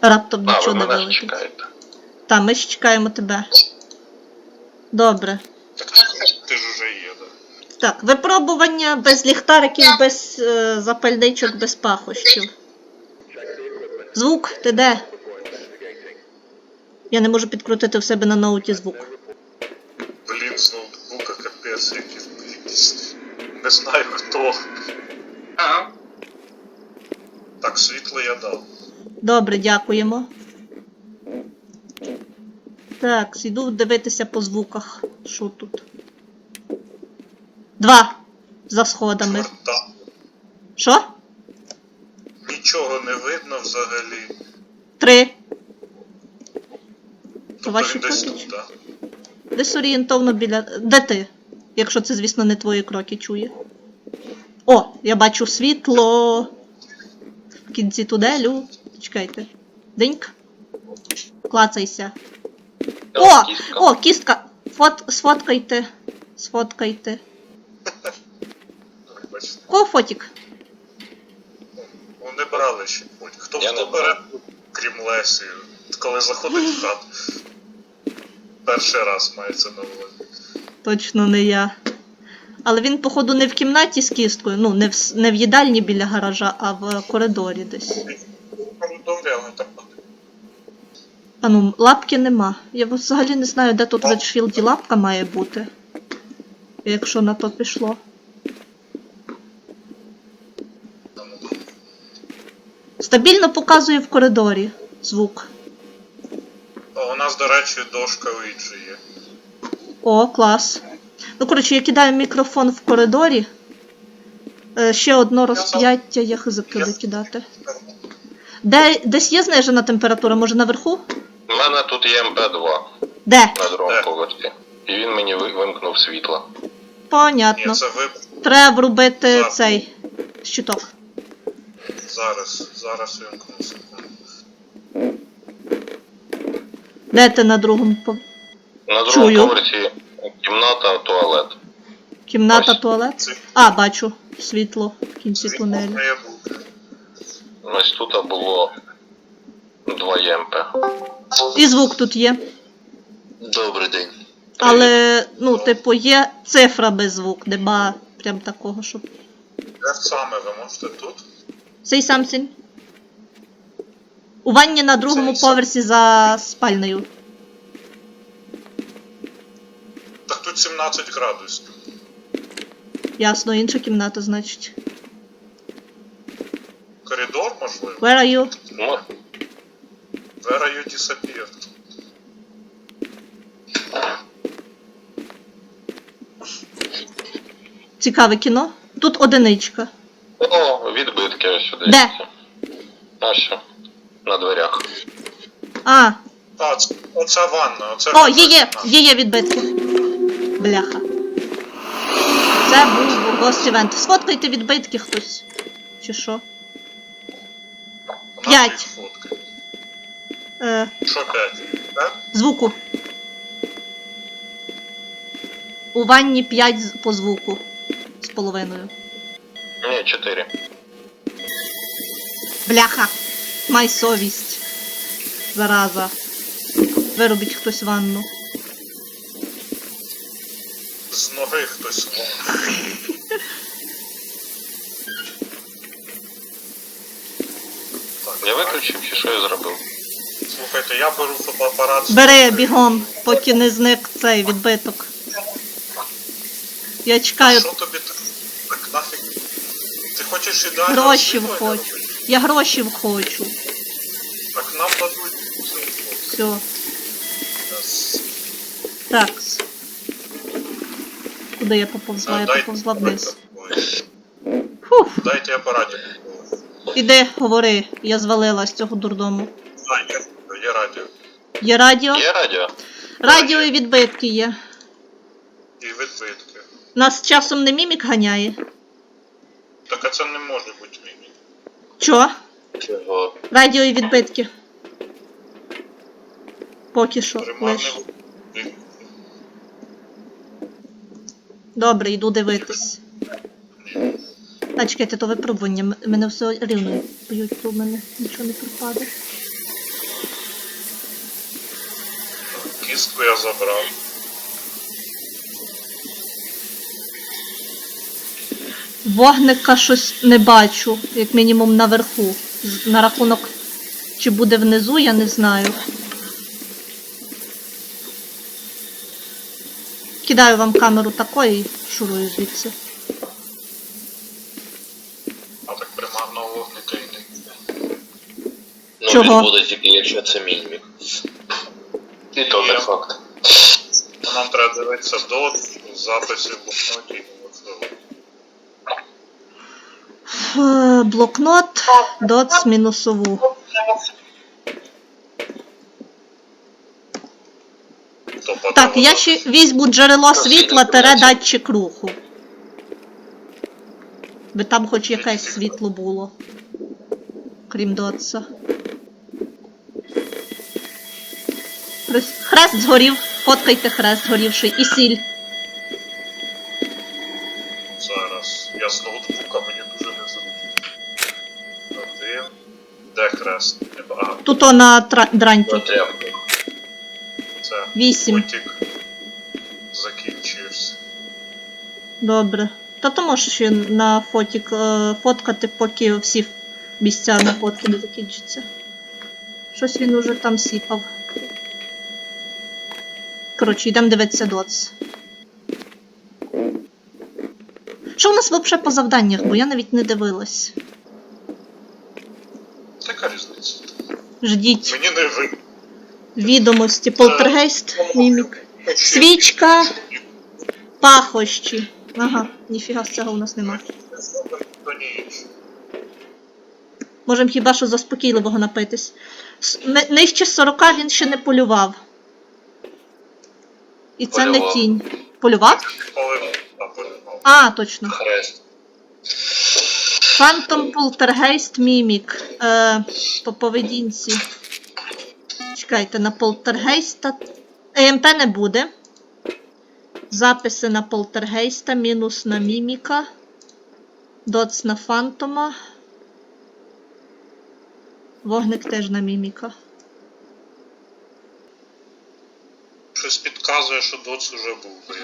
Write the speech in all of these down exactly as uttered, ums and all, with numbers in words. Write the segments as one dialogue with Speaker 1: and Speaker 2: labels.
Speaker 1: Раптом
Speaker 2: А,
Speaker 1: нічого
Speaker 2: ви
Speaker 1: не
Speaker 2: мене ж
Speaker 1: вилетить.
Speaker 2: чекаєте.
Speaker 1: Та, ми ж чекаємо тебе. Добре.
Speaker 3: Так ти ж уже є, да?
Speaker 1: Так, випробування без ліхтариків, без е, запальничок, без пахощів. Звук, ти де? Я не можу підкрутити в себе на ноуті звук.
Speaker 3: Блін, з ноутбука капець, якийсь, якийсь... Не знаю хто.
Speaker 2: Ага.
Speaker 3: Так, світло я дав.
Speaker 1: Добре, дякуємо. Так, йду дивитися по звуках. Що тут? Два. За сходами.
Speaker 3: Чорта.
Speaker 1: Що?
Speaker 3: Нічого не видно взагалі.
Speaker 1: Три.
Speaker 3: Тобто
Speaker 1: Ваші
Speaker 3: він десь
Speaker 1: кроки?
Speaker 3: тут, так?
Speaker 1: Десь орієнтовно біля... Де ти? Якщо це, звісно, не твої кроки чує. О, я бачу світло. В кінці тунелю. Чекайте. Диньк. Клацайся. О!
Speaker 2: Кістка.
Speaker 1: О, кістка! Фот... Сфоткайте. Сфоткайте.
Speaker 3: Бачите.
Speaker 1: Кого фотік?
Speaker 3: Вони брали ще потім. Хто
Speaker 2: Я
Speaker 3: хто
Speaker 2: не
Speaker 3: бере, крім Лесі, коли заходить в хату. Перший раз мається на увазі.
Speaker 1: Точно не я. Але він, походу, не в кімнаті з кісткою, ну, не в, с- не в їдальні біля гаража, а в коридорі десь.
Speaker 3: Коридорі, але так.
Speaker 1: А ну, лапки нема. Я взагалі не знаю, де тут в Редшфілді лапка має бути. Якщо на то пішло. Стабільно показує в коридорі звук.
Speaker 3: А у нас, до речі, дошка Уіджі є.
Speaker 1: О, клас. Ну, коротше, я кидаю мікрофон в коридорі. Е, ще одно розп'яття, я хизик туди кидати. Де, десь є знижена температура, може наверху?
Speaker 2: У мене тут є ем пе два
Speaker 1: Де?
Speaker 2: на другому
Speaker 3: Де?
Speaker 2: поверсі. І він мені ви- вимкнув світло.
Speaker 1: Понятно.
Speaker 3: Ні, це ви
Speaker 1: Треба врубити
Speaker 3: Так.
Speaker 1: цей щиток.
Speaker 3: зараз, зараз вимкну секунду.
Speaker 1: Де ти на другому по...
Speaker 2: На другому
Speaker 1: Чую.
Speaker 2: поверсі кімната, туалет.
Speaker 1: Кімната,
Speaker 2: Ось.
Speaker 1: туалет?
Speaker 3: Це
Speaker 1: А, бачу. Світло в кінці
Speaker 3: світло
Speaker 1: тунелю.
Speaker 3: має бути.
Speaker 2: Ось тут було два ем пе.
Speaker 1: І звук тут є.
Speaker 2: Добрий день.
Speaker 1: Але, ну, типу, є цифра без звук, нема прям такого, щоб...
Speaker 3: Де саме ви можете тут?
Speaker 1: Say something. У ванні на другому
Speaker 3: Say
Speaker 1: поверсі за спальнею.
Speaker 3: Так тут сімнадцять градусів.
Speaker 1: Ясно, інша кімната, значить.
Speaker 3: Коридор, можливо?
Speaker 1: Where are you?
Speaker 2: Ну,
Speaker 3: Where are you disappeared?
Speaker 1: Цікаве кіно. Тут одиничка.
Speaker 2: о, відбитки ось сюди.
Speaker 1: Де?
Speaker 2: А що? На дверях.
Speaker 1: А,
Speaker 3: А, це, оця ванна, оце...
Speaker 1: о, є, є, є, є відбитки. Бляха. Це був Ghost Event. Сфоткайте відбитки хтось. Чи що? П'ять.
Speaker 3: Фотки.
Speaker 1: Е,
Speaker 3: Що п'ять? Так?
Speaker 1: звуку. У ванні п'ять з- по звуку. З половиною.
Speaker 2: Ні, чотири.
Speaker 1: Бляха. Май совість. Зараза. Виробіть хтось ванну.
Speaker 3: З ноги хтось. Так,
Speaker 2: Я виключив, чи що я зробив?
Speaker 3: слухайте, я беру фотоапарат.
Speaker 1: Бери бігом, поки не зник цей відбиток. Я чекаю.
Speaker 3: Що тобі так? Так нафіг? Ти хочеш ідеально
Speaker 1: Гроші
Speaker 3: освітлення
Speaker 1: хочу.
Speaker 3: робити?
Speaker 1: Я гроші хочу.
Speaker 3: Так нам дадуть світло.
Speaker 1: Все.
Speaker 3: Yes.
Speaker 1: Так. Куди я поповзла? Я
Speaker 3: Дайте-
Speaker 1: поповзла вниз.
Speaker 3: Ой,
Speaker 1: Фух.
Speaker 3: Дайте апаратик.
Speaker 1: Іди, говори. Я звалила з цього дурдому.
Speaker 3: А, є, є радіо.
Speaker 1: Є радіо?
Speaker 2: Є радіо?
Speaker 1: Радіо і відбитки є.
Speaker 3: І відбитки.
Speaker 1: Нас часом не мімік ганяє.
Speaker 3: Так а це не може бути мімі.
Speaker 1: Чо?
Speaker 2: Чого?
Speaker 1: Радіо і відбитки. Поки що. Лиш.
Speaker 3: Примарний.
Speaker 1: Добре, йду дивитись. А, чекайте, то випробування. М- Мене все рівно б'ють, то в мене нічого не пропаде.
Speaker 3: Кістку я забрав.
Speaker 1: Вогника щось не бачу, як мінімум наверху. З- На рахунок, чи буде внизу, я не знаю. Кидаю вам камеру такої і шурую звідси.
Speaker 3: А так примарного вогника і не буде.
Speaker 2: Ну,
Speaker 1: Чого?
Speaker 2: він буде тільки, якщо це мімік. І то не
Speaker 3: Є.
Speaker 2: факт.
Speaker 3: Нам треба дивитися до записів в блокноті і голосові.
Speaker 1: Е, Блокнот, доц, мінусову.
Speaker 3: Тобто,
Speaker 1: Так, я ще візьму джерело світла тере датчик руху. Би там хоч якесь світло було. Крім дотса. Хрест- Хрест згорів. Фоткайте хрест згорівший. І сіль.
Speaker 3: Зараз. Я з ноутбука, мені дуже незручно. Один. Де хрест? Не ба- А,
Speaker 1: Тут о на тра- дранті.
Speaker 2: До тряпки.
Speaker 3: це
Speaker 1: Вісім.
Speaker 3: потік закінчився.
Speaker 1: Добре. Та то можеш ще на фотік е, фоткати, поки всі місця на фотки не закінчаться. Щось він уже там сіпав. Коротше, йдемо дивитися доц. Що у нас взагалі по завданнях, бо я навіть не дивилась.
Speaker 3: Така різниця.
Speaker 1: Ждіть
Speaker 3: Мені не ви.
Speaker 1: відомості. Полтергейст, мімік. Свічка, пахощі. Ага, ніфіга з цього у нас нема.
Speaker 3: То ні.
Speaker 1: Можемо хіба що заспокійливого напитись. С- ни- Нижче сорока він ще не полював. І це не
Speaker 2: Полював.
Speaker 1: тінь. Полював?
Speaker 3: Коли а, полював.
Speaker 1: А, точно.
Speaker 2: Хрест.
Speaker 1: Phantom Poltergeist Mimic. Е, по поведінці. Чекайте, на полтергейста. Е М П не буде. Записи на полтергейста, мінус на міміка. Доц на фантома. Вогник теж на міміка.
Speaker 3: Щось підказує, що доц уже був. би.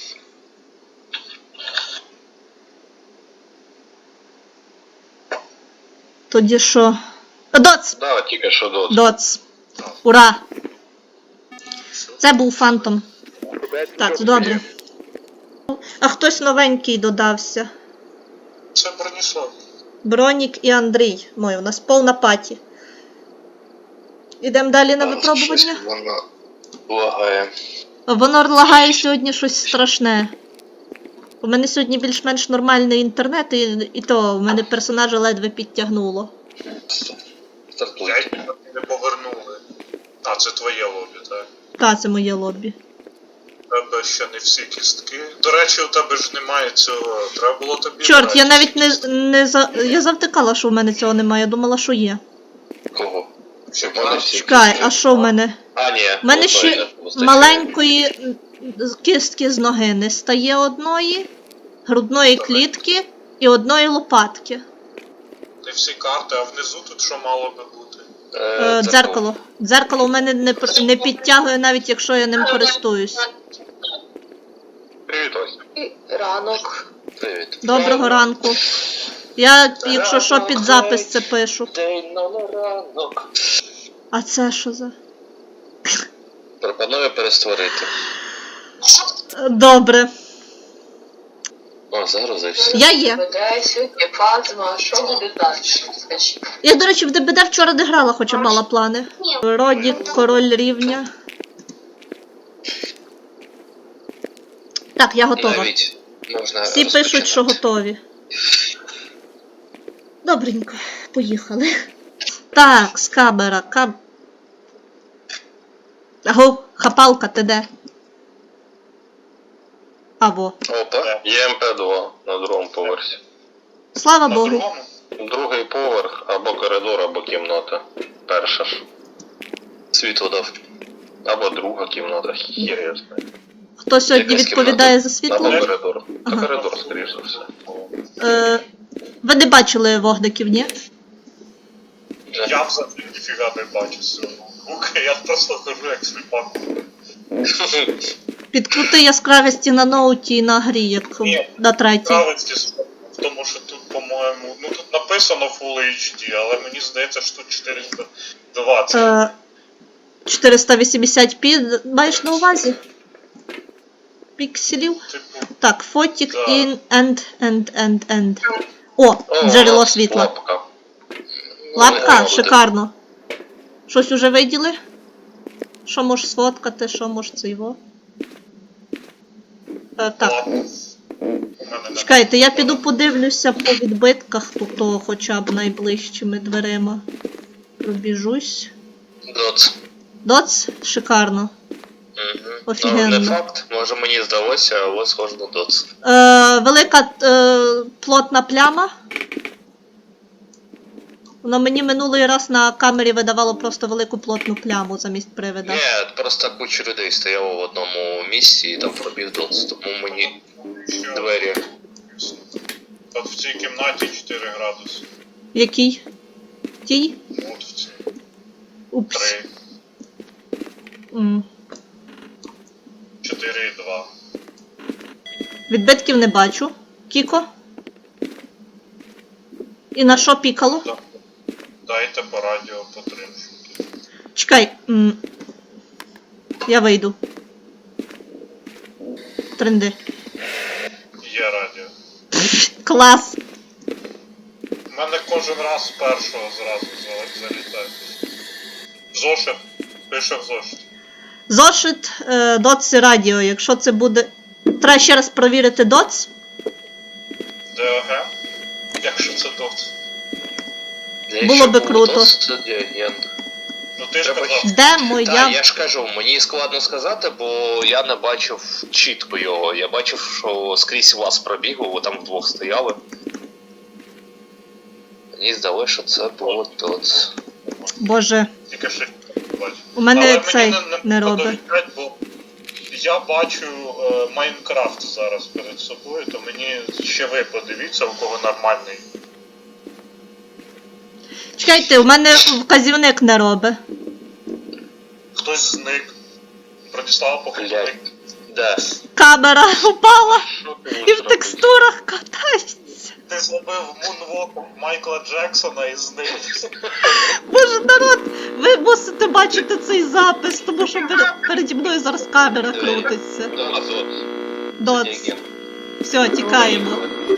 Speaker 1: Тоді що? О, Доц!
Speaker 2: Да, тільки що до.
Speaker 1: Доц!
Speaker 3: Так,
Speaker 1: Ура!
Speaker 3: все.
Speaker 1: Це був фантом. Так, добре. А хтось новенький додався.
Speaker 3: Це Броніслав.
Speaker 1: Бронік і Андрій. Мой, у нас повна паті. Ідемо далі на випробування.
Speaker 2: Воно лагає.
Speaker 1: Воно лагає сьогодні щось страшне. У мене сьогодні більш-менш нормальний інтернет, і, і то в мене персонажа ледве підтягнуло.
Speaker 2: Стартуйте.
Speaker 3: П'ять не повернули. А, це твоє лобі, так?
Speaker 1: Та, це моє лобі.
Speaker 3: У тебе ще не всі кістки. До речі, у тебе ж немає цього. Треба було тобі.
Speaker 1: Чорт, я
Speaker 3: брати
Speaker 1: навіть не,
Speaker 3: кістки.
Speaker 1: не за... Я завтикала, що в мене цього немає, я думала, що є.
Speaker 2: Кого?
Speaker 3: Ще
Speaker 2: У мене всі
Speaker 1: Чекай,
Speaker 2: кістки.
Speaker 1: а що в мене?
Speaker 2: А, ні.
Speaker 1: У мене
Speaker 2: одної
Speaker 1: ще
Speaker 2: не вистачає.
Speaker 1: маленької м, кістки з ноги не стає одної, грудної клітки і одної лопатки.
Speaker 3: Не всі карти, а внизу тут що мало би бути?
Speaker 1: Е,
Speaker 2: Е, це
Speaker 1: дзеркало. Дзеркало в мене не, пр- не підтягує, навіть якщо я ним користуюсь.
Speaker 2: Привіт, Ось.
Speaker 4: Ранок.
Speaker 2: Привіт.
Speaker 1: Доброго ранку. Я, якщо що, під запис це пишу.
Speaker 2: День на ранок.
Speaker 1: А це що за?
Speaker 2: Пропоную перестворити.
Speaker 1: Е, Добре.
Speaker 2: О, загрузився.
Speaker 1: Я є.
Speaker 4: Веде сьогодні Фатима. Що буде далі? Скажіть.
Speaker 1: Я, до речі, в Д Б Д вчора не грала, хоча мала плани. Родік, король рівня. Так, я готова.
Speaker 2: Навіть можна
Speaker 1: Всі пишуть, що
Speaker 2: розпочинати.
Speaker 1: готові. Добренько, поїхали. Так, скабера, каб... Аго, хапалка, ти де? Аво.
Speaker 2: Опа, є М П два на другому поверсі.
Speaker 1: Слава
Speaker 3: На
Speaker 1: Богу.
Speaker 3: другому?
Speaker 2: Другий поверх, або коридор, або кімната. Перша ж. Світло дав. Або друга кімната. Хір я знаю.
Speaker 1: Хто сьогодні
Speaker 2: Якась
Speaker 1: відповідає
Speaker 2: кімната.
Speaker 1: за світло?
Speaker 2: Або коридор. Та
Speaker 1: Ага.
Speaker 2: коридор, скоріш за все.
Speaker 1: Е, ви не бачили вогників, ні?
Speaker 3: Я взагалі ніфіга не бачу з цього ноутбука, я просто хожу як сліпак.
Speaker 1: Підкрути яскравості на ноуті і на грі, як
Speaker 3: Ні,
Speaker 1: на третій.
Speaker 3: Цікавості в тому, що тут, по-моєму, ну тут написано Full ейч ді, але мені здається, що тут чотириста двадцять.
Speaker 1: Е, чотириста вісімдесят пі маєш на увазі? Пікселів?
Speaker 3: Типу,
Speaker 1: Так, фотік
Speaker 3: Так.
Speaker 1: in and and and and. О, джерело світла.
Speaker 2: Лапка.
Speaker 1: Лапка,
Speaker 2: Ну,
Speaker 1: шикарно. Щось уже виділи? Що можеш сфоткати, що можеш це його? Е, так,
Speaker 3: лапу. У мене не
Speaker 1: чекайте, я піду подивлюся по відбитках, тут то хоча б найближчими дверима. Пробіжусь.
Speaker 2: Доц.
Speaker 1: Доц? Шикарно.
Speaker 2: Угу.
Speaker 1: Офігенно.
Speaker 2: Ну, не факт, може мені здалося, але схоже на доц.
Speaker 1: Е, велика е, плотна пляма. Воно мені минулий раз на камері видавало просто велику плотну пляму замість привида.
Speaker 2: Ні, просто куча людей стояло в одному місці і там пробіг доц, тому мені
Speaker 3: Що?
Speaker 2: двері.
Speaker 3: От в цій кімнаті чотири градуси.
Speaker 1: Який? Тій?
Speaker 3: От в цій
Speaker 1: Упс.
Speaker 3: три,
Speaker 1: М.
Speaker 3: чотири і два.
Speaker 1: Відбитків не бачу. Кіко? І на що пікало?
Speaker 3: Да- Дайте по радіо по три.
Speaker 1: Чекай. М. Я вийду. Тренди.
Speaker 3: Є радіо.
Speaker 1: Клас.
Speaker 3: У мене кожен раз з першого зразу за- залітає. Зошит. Пише в зошит.
Speaker 1: Зошит, е, доц і радіо. Якщо це буде. Треба ще раз провірити доц.
Speaker 3: ДОГ. Якщо це дот.
Speaker 1: Було би круто.
Speaker 2: Доц, це діагент.
Speaker 3: Ну ти ж
Speaker 2: Треба
Speaker 3: казав.
Speaker 1: Де моя.
Speaker 2: Так, я ж кажу, мені складно сказати, бо я не бачив чітко його. Я бачив, що скрізь вас пробігли, ви там вдвох стояли. Мені здалося, що це було доц.
Speaker 1: Боже,
Speaker 3: Тільки ще бачу.
Speaker 1: у мене
Speaker 3: Але
Speaker 1: цей
Speaker 3: мені
Speaker 1: не робить.
Speaker 3: подобається, бо я бачу е, Майнкрафт зараз перед собою, то мені ще ви подивіться, у кого нормальний.
Speaker 1: Чекайте, у мене вказівник не робить.
Speaker 3: Хтось зник. Бронислава походник.
Speaker 2: Де?
Speaker 1: Камера упала
Speaker 2: Що ти
Speaker 1: і в
Speaker 2: можеш робити?
Speaker 1: текстурах катається.
Speaker 3: Ти зробив мунвок Майкла Джексона і зник.
Speaker 1: Боже, народ, ви мусите бачити цей запис, тому що перед- переді мною зараз камера крутиться.
Speaker 2: Да, доц.
Speaker 1: Доц.
Speaker 2: Діагент.
Speaker 1: Все, тікаємо.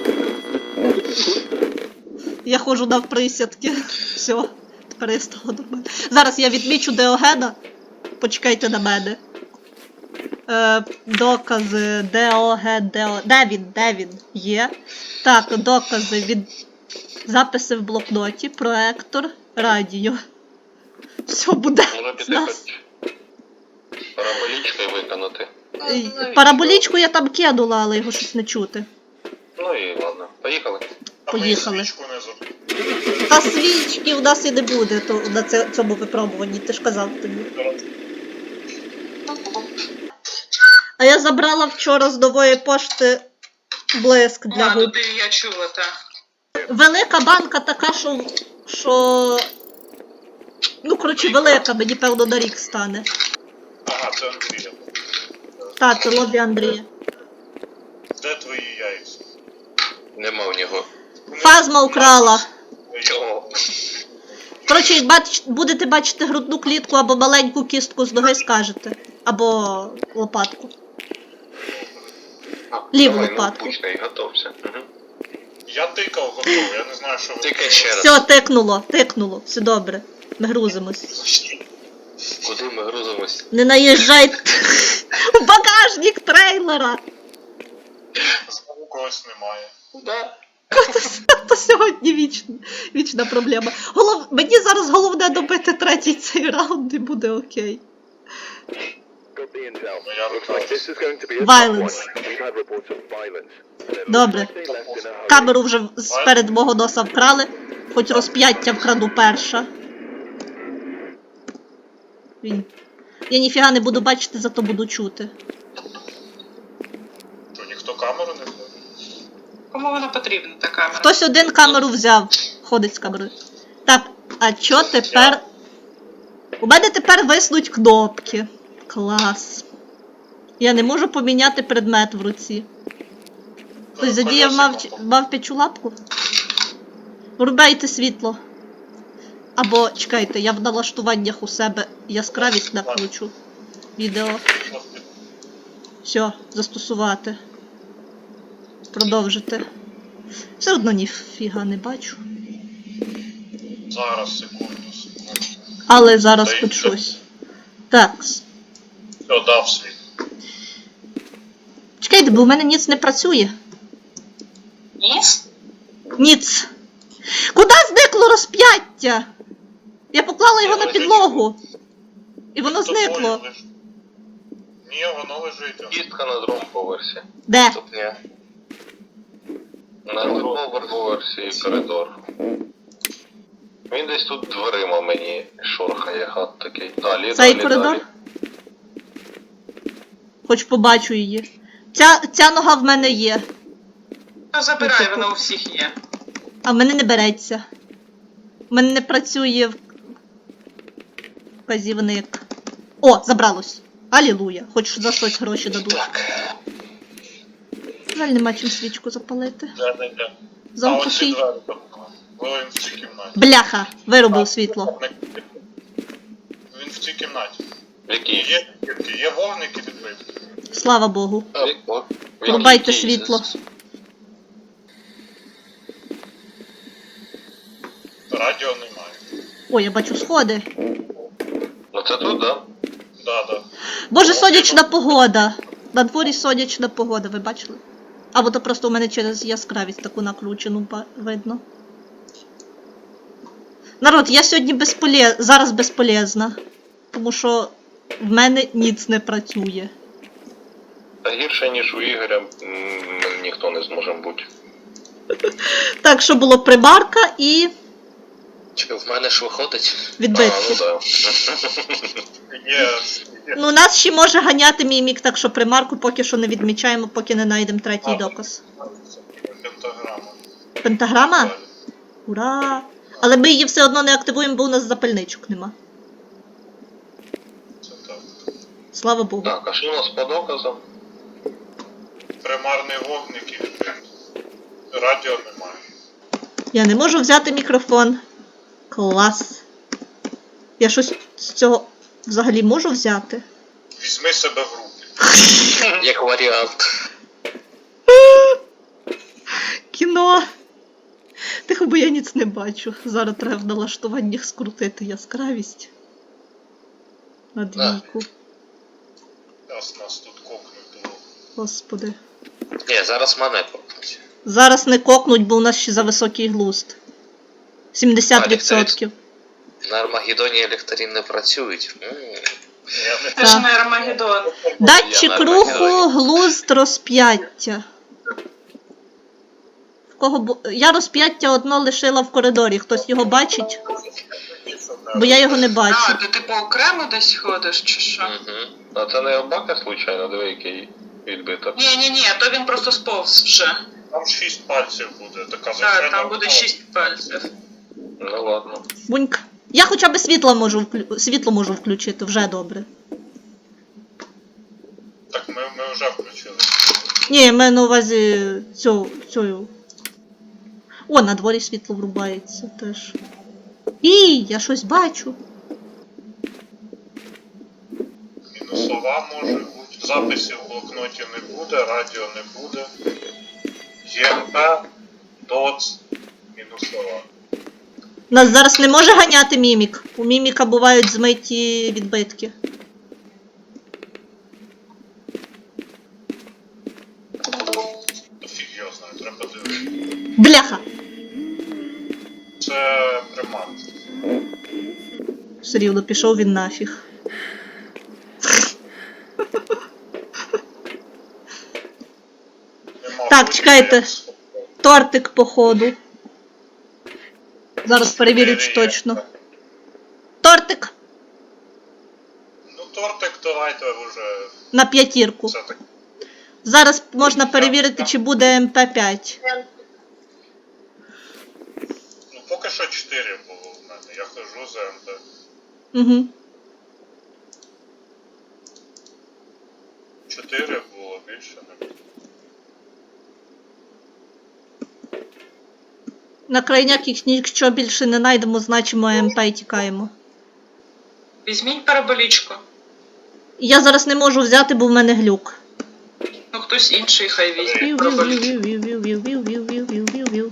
Speaker 1: Я ходжу навприсядки. Все, тепер я стала нормально. Зараз я відмічу Деогена. Почекайте на мене. Е, докази Деоген, Део... Де він? Де він? Є. Так, докази від записи в блокноті, проектор, радіо. Все буде
Speaker 2: Може
Speaker 1: з
Speaker 2: піти
Speaker 1: нас.
Speaker 2: хоч параболічкою виконати.
Speaker 1: Е, Параболічку я там кинула, але його щось не чути.
Speaker 2: Ну і ладно, поїхали.
Speaker 3: А ми
Speaker 1: Поїхали.
Speaker 3: свічку не зробили.
Speaker 1: Та свічки в нас і не буде то, на це- цьому випробуванні, ти ж казав тобі. А я забрала вчора з нової пошти блиск для
Speaker 5: А,
Speaker 1: губ.
Speaker 5: туди я чула, так.
Speaker 1: Велика банка така, що. що... Ну, коротше, велика, мені певно на рік стане.
Speaker 3: Ага, це Андрія.
Speaker 1: Та, це лобі Андрія.
Speaker 3: Де твої яйця?
Speaker 2: Нема в нього.
Speaker 1: Фазма украла.
Speaker 2: Чого?
Speaker 1: Коротше, бач, будете бачити грудну клітку або маленьку кістку з ноги, скажете. Або лопатку. Ліву
Speaker 2: Давай,
Speaker 1: лопатку.
Speaker 2: ну, пучкай, готовся. Угу.
Speaker 3: Я тикав готовий, я не знаю, що ви.
Speaker 2: Тикай ще раз.
Speaker 1: Все, тикнуло, тикнуло, все добре. Ми грузимось.
Speaker 2: Куди ми грузимось?
Speaker 1: Не наїжджайте в багажник трейлера.
Speaker 3: Знову когось немає.
Speaker 2: Да.
Speaker 1: То сьогодні вічна, вічна проблема. Голов... Мені зараз головне добити третій цей раунд і буде окей.
Speaker 3: Ну я рухаюсь.
Speaker 1: Violence. Добре. Камеру вже сперед мого носа вкрали. Хоч розп'яття вкраду перша. Він. Я ніфіга не буду бачити, зато буду чути.
Speaker 3: Що, ніхто камеру не ходить?
Speaker 5: Кому вона потрібна, та камера?
Speaker 1: Хтось один камеру взяв. Ходить з камерою. Так, а чо тепер. У мене тепер виснуть кнопки. Клас. Я не можу поміняти предмет в руці. Хтось задіяв мав, мавпячу лапку? Врубайте світло. Або, чекайте, я в налаштуваннях у себе яскравість накручу. Відео. Все, застосувати. Продовжити. Все одно ніфіга не бачу.
Speaker 3: Зараз, секунду, секунду.
Speaker 1: Але зараз
Speaker 3: Та й
Speaker 1: хоч
Speaker 3: що?
Speaker 1: щось. Так.
Speaker 3: Все, дав світ.
Speaker 1: Чекайте, бо в мене ніц не працює.
Speaker 5: Ніс?
Speaker 1: Ніц. Куди зникло розп'яття? Я поклала його на підлогу. І воно
Speaker 3: Тобою
Speaker 1: зникло.
Speaker 3: лежить. Ні, воно лежить.
Speaker 2: Кістка на другому поверсі.
Speaker 1: Де?
Speaker 2: Ступня. На другому поверсі коридор. Він десь тут дверима мені шорхає, гад такий. Далі,
Speaker 1: Цей
Speaker 2: далі,
Speaker 1: коридор?
Speaker 2: далі.
Speaker 1: Хоч побачу її. Ця, ця нога в мене є,
Speaker 5: То забирай, воно у всіх є.
Speaker 1: а в мене не береться. В мене не працює в- вказівник. О, забралось. Алілуя. Хоч за щось гроші дадуть. Жаль, нема чим свічку запалити.
Speaker 3: Де, де, де. А
Speaker 1: Замку
Speaker 3: оці
Speaker 1: фій.
Speaker 3: двері там. Ви він в цій кімнаті.
Speaker 1: Бляха, виробив світло.
Speaker 3: Він в цій кімнаті.
Speaker 2: Які?
Speaker 3: Є кітки, є вогники відбитки.
Speaker 1: Слава Богу.
Speaker 2: А, в- в- в
Speaker 1: Врубайте
Speaker 2: якій?
Speaker 1: світло.
Speaker 3: Радіо немає.
Speaker 1: О, я бачу сходи.
Speaker 2: Ну це тут, да?
Speaker 3: Да, да.
Speaker 1: Боже, сонячна погода. На дворі сонячна погода, ви бачили? Або то просто у мене через яскравість таку накручену ба- видно. Народ, я сьогодні безполе... зараз безполезна. Тому що в мене ніц не працює.
Speaker 2: Та гірше, ніж у Ігоря, м, ніхто не зможе бути.
Speaker 1: Так, що було примарка і
Speaker 6: Чи в мене ж виходить?
Speaker 2: А,
Speaker 1: відбитки.
Speaker 2: ну да.
Speaker 3: Є, є.
Speaker 1: Ну, нас ще може ганяти мімік, так що примарку поки що не відмічаємо, поки не знайдемо третій
Speaker 3: А.
Speaker 1: доказ.
Speaker 3: Пентаграма.
Speaker 1: Пентаграма?
Speaker 3: Далі.
Speaker 1: Ура! Але ми її все одно не активуємо, бо у нас запальничок нема.
Speaker 3: Це так.
Speaker 1: Слава Богу.
Speaker 2: Так, а що у нас по доказам?
Speaker 3: Примарний вогник і відбитки. Радіо немає.
Speaker 1: Я не можу взяти мікрофон. Клас. Я щось з цього взагалі можу взяти?
Speaker 3: Візьми себе в руки.
Speaker 6: Як варіант.
Speaker 1: Кіно! Тихо, бо я ніц не бачу. Зараз треба в налаштуваннях скрутити яскравість. На двійку.
Speaker 3: Раз нас тут кокнуть було.
Speaker 1: Господи.
Speaker 6: Ні, зараз мене попнуть.
Speaker 1: Зараз не кокнуть, бо у нас ще за високий глузд. сімдесят відсотків.
Speaker 6: На Армагеддоні ліхтарі не працюють. М.
Speaker 3: Я не
Speaker 5: Це ж не Армагеддон.
Speaker 1: Датчик
Speaker 6: Я на
Speaker 1: руху,
Speaker 6: Армагеддоні.
Speaker 1: глузд, розп'яття. В кого бу... Я розп'яття одно лишила в коридорі. Хтось його бачить? Бо я його не бачу.
Speaker 5: А, ти типу окремо десь ходиш, чи що?
Speaker 6: Мгм.
Speaker 2: А це не обака, случайно, диви, який відбиток.
Speaker 5: Ні, ні, ні, то він просто сповз вже.
Speaker 3: Там шість пальців буде, така
Speaker 5: Так,
Speaker 3: звичайна.
Speaker 5: там буде шість пальців.
Speaker 2: Ну ладно.
Speaker 1: Буньк. Я хоча б світло можу, вклю... світло можу включити, вже добре.
Speaker 3: Так ми, ми вже включили.
Speaker 1: Ні, я маю на увазі цю, цю. О, на дворі світло врубається теж. І, я щось бачу.
Speaker 3: Мінусова може бути. Записів в блокноті не буде, радіо не буде. ЄМП, ДОЦ, мінусова.
Speaker 1: Нас зараз не може ганяти мімік. У міміка бувають змиті відбитки.
Speaker 3: Та фіг його знає, треба дивитися.
Speaker 1: Бляха!
Speaker 3: Це примат.
Speaker 1: Все рівно пішов він нафіг.
Speaker 3: Нема
Speaker 1: Так,
Speaker 3: виходу,
Speaker 1: чекайте.
Speaker 3: як з-
Speaker 1: Тортик, походу. Зараз перевірю, чи точно. Тортик!
Speaker 3: Ну, тортик давайте вже.
Speaker 1: На п'ятірку.
Speaker 3: Це так.
Speaker 1: Зараз можна перевірити, чи буде ем пе п'ять.
Speaker 3: Ну, поки що чотири було в мене. Я хожу за МП.
Speaker 1: Угу.
Speaker 3: Чотири було, більше не було.
Speaker 1: На крайняк, їх якщо більше не знайдемо, значимо МП і тікаємо.
Speaker 5: Візьміть параболічку.
Speaker 1: Я зараз не можу взяти, бо в мене глюк.
Speaker 5: Ну хтось інший хай візьме
Speaker 1: Вів, вів,
Speaker 5: параболічку.
Speaker 1: вів, вів, вів, вів, вів, вів, вів, вів, вів, вів.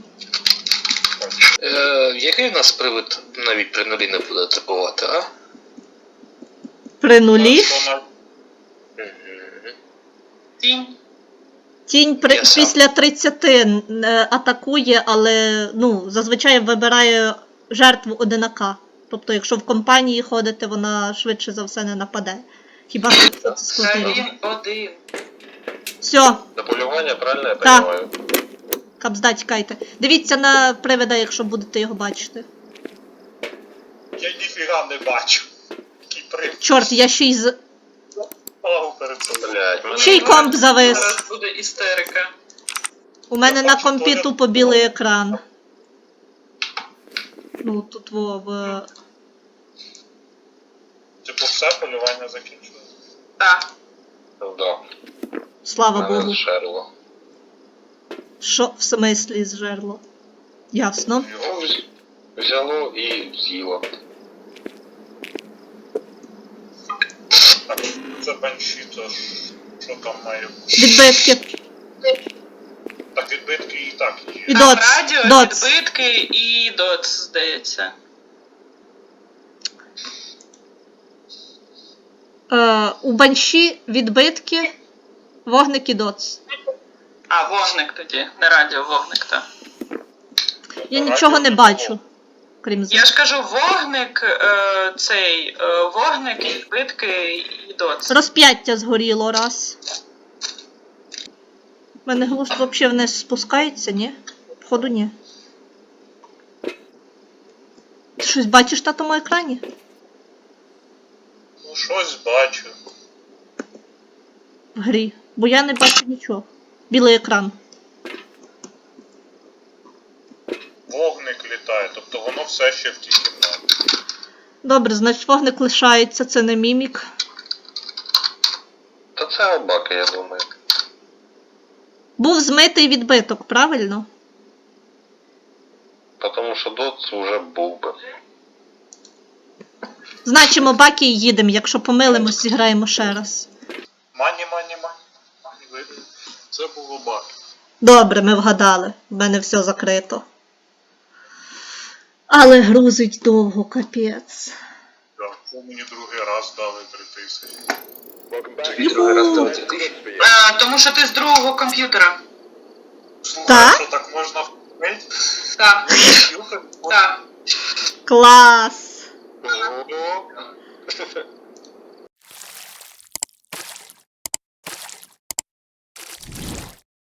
Speaker 6: Е, який в нас привид навіть при нулі не буде атакувати, а?
Speaker 1: При нулі.
Speaker 3: Хто на-
Speaker 6: Мгм.
Speaker 5: Тінь.
Speaker 1: Тінь при,
Speaker 6: Я сам.
Speaker 1: після тридцяти е, атакує, але ну, зазвичай вибирає жертву одинака. Тобто, якщо в компанії ходите, вона швидше за все не нападе. Хіба що це
Speaker 5: Та
Speaker 1: скотирі.
Speaker 5: він один.
Speaker 1: Все,
Speaker 2: До полювання, правильно я
Speaker 1: Так.
Speaker 2: розумію?
Speaker 1: капзда, тікайте. Дивіться на привида, якщо будете його бачити.
Speaker 3: Я ніфіга не бачу. Який привид.
Speaker 1: Чорт, я ще й з...
Speaker 3: Палав перед собою.
Speaker 2: Блять, мене
Speaker 1: Ще й комп завис.
Speaker 5: Зараз буде істерика.
Speaker 1: У мене
Speaker 3: Я
Speaker 1: на
Speaker 3: бачу,
Speaker 1: компі
Speaker 3: Толя.
Speaker 1: тупо білий екран. Ну, тут во, в...
Speaker 3: Типу все, полювання закінчилось.
Speaker 5: Так.
Speaker 2: Да.
Speaker 1: Слава
Speaker 2: Мене
Speaker 1: Богу.
Speaker 2: зшерло.
Speaker 1: Що в смислі зжерло? Ясно.
Speaker 3: Його
Speaker 2: Ну, вз- взяло і з'їло.
Speaker 3: так, це банші, то ж, що там має бути?
Speaker 1: Відбитки.
Speaker 3: Так, відбитки і так є.
Speaker 1: І
Speaker 5: Там
Speaker 1: доц.
Speaker 5: радіо,
Speaker 1: Доц.
Speaker 5: відбитки і доц, здається.
Speaker 1: Е, у банші відбитки, вогник і доц.
Speaker 5: А, вогник тоді, не радіо, вогник, так.
Speaker 1: Я
Speaker 3: Радіо
Speaker 1: нічого не
Speaker 3: не
Speaker 1: бачу,
Speaker 3: було.
Speaker 1: крім
Speaker 5: Я
Speaker 1: з...
Speaker 5: ж кажу, вогник, е, цей, е, вогник, відбитки і доц.
Speaker 1: Розп'яття згоріло раз. У мене глузд взагалі вниз спускається, ні? Походу, ні. Ти щось бачиш на тому екрані?
Speaker 3: Ну, щось бачу.
Speaker 1: В грі. Бо я не бачу нічого. Білий екран.
Speaker 3: Вогник літає, тобто воно все ще в тій кімнаті.
Speaker 1: Добре, значить вогник лишається, це не мімік.
Speaker 2: Та це обака, я думаю.
Speaker 1: Був змитий відбиток, правильно?
Speaker 2: Тому що доц уже був би.
Speaker 1: Значимо баки і їдемо, якщо помилимось, зіграємо ще раз.
Speaker 3: Мані, мані, мані. Мані вийде. Це було баг.
Speaker 1: Добре, ми вгадали. В мене все закрито. Але грузить довго, капець.
Speaker 3: Так, це мені другий раз дали три тисячі.
Speaker 6: Тобі другий раз дали дві тисячі.
Speaker 5: Е, тому що ти з другого комп'ютера.
Speaker 3: Слухай,
Speaker 1: Так?
Speaker 3: що так можна вмить?
Speaker 5: Так, так.
Speaker 1: Клас!
Speaker 2: Ого.